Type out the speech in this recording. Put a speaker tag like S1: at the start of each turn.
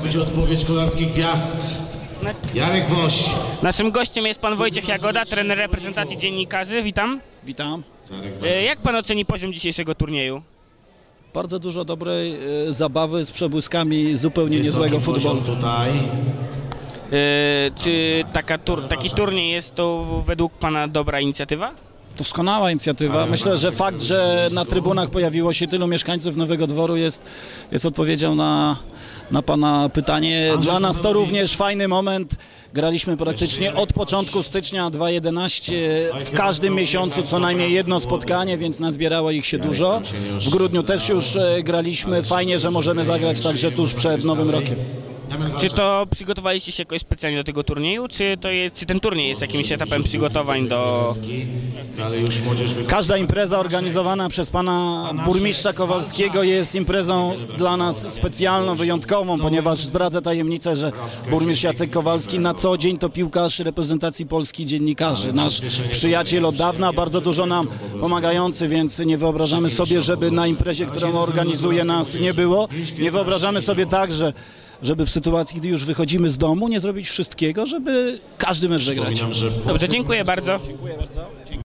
S1: będzie odpowiedź kolarskich gwiazd. Jarek Woś.
S2: Naszym gościem jest pan Wojciech Jagoda, trener reprezentacji dziennikarzy. Witam.
S3: Witam.
S2: Jak pan oceni poziom dzisiejszego turnieju?
S3: Bardzo dużo dobrej zabawy z przebłyskami zupełnie niezłego futbolu.
S1: Tutaj.
S2: Czy taki turniej jest to według pana dobra inicjatywa?
S3: Doskonała inicjatywa. Myślę, że fakt, że na trybunach pojawiło się tylu mieszkańców Nowego Dworu jest odpowiedzią na pana pytanie. Dla nas to również fajny moment. Graliśmy praktycznie od początku stycznia 2011 w każdym miesiącu co najmniej jedno spotkanie, więc nazbierało ich się dużo. W grudniu też już graliśmy. Fajnie, że możemy zagrać także tuż przed Nowym Rokiem.
S2: Czy to przygotowaliście się jakoś specjalnie do tego turnieju, czy ten turniej jest jakimś etapem przygotowań do...
S3: Każda impreza organizowana przez pana burmistrza Kowalskiego jest imprezą dla nas specjalną, wyjątkową, ponieważ zdradzę tajemnicę, że burmistrz Jacek Kowalski na co dzień to piłkarz reprezentacji Polski dziennikarzy. Nasz przyjaciel od dawna, bardzo dużo nam pomagający, więc nie wyobrażamy sobie, żeby na imprezie, którą organizuje, nas nie było. Nie wyobrażamy sobie także, żeby w sytuacji, gdy już wychodzimy z domu, nie zrobić wszystkiego, żeby każdy mecz wygrać.
S2: Dobrze, dziękuję bardzo.
S3: Dziękuję bardzo.